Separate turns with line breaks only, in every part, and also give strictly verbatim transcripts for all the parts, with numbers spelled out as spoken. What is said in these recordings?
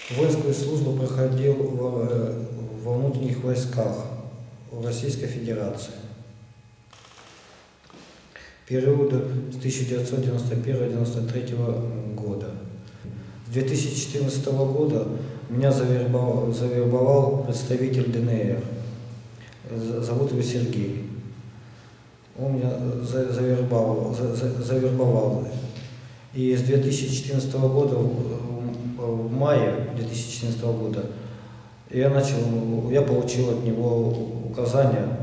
Воинскую службу проходил во, во внутренних войсках в Российской Федерации. Периода с тысяча девятьсот девяносто первого — девяносто третьего года. С две тысячи четырнадцатого года меня завербовал, завербовал представитель ДНР. Зовут его Сергей. Он меня завербовал, завербовал. И с две тысячи четырнадцатого года, в мае две тысячи четырнадцатого года, я начал, я получил от него указания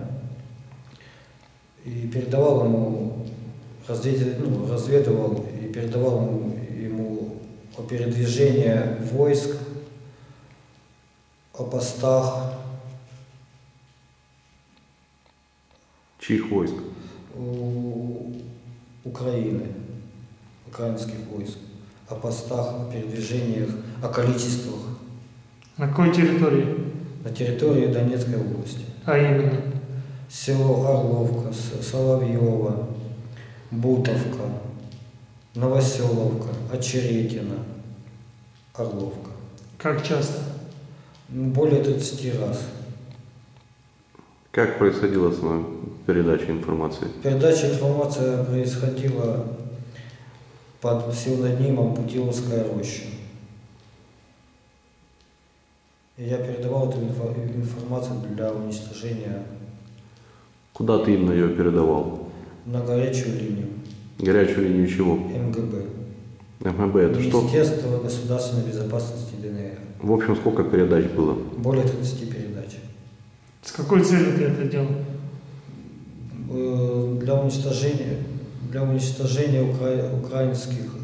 и передавал ему, ну, разведывал и передавал ему, ему о передвижении войск, о постах.
Чьих войск?
У Украины, украинских войск, о постах, о передвижениях, о количествах.
На какой территории?
На территории Донецкой области.
А именно?
Село Орловка, Соловьево, Бутовка, Новоселовка, Очеретино, Орловка.
Как часто?
Более тридцати раз.
Как происходила сама передача информации?
Передача информации происходила под псевдонимом Путиловская роща. И я передавал эту информацию для уничтожения.
Куда ты именно ее передавал?
На горячую линию.
Горячую линию чего?
МГБ.
МГБ это что?
Министерство государственной безопасности ДНР.
В общем, сколько передач было?
Более тридцати передач.
С какой целью ты это делал?
Для уничтожения, для уничтожения укра... украинских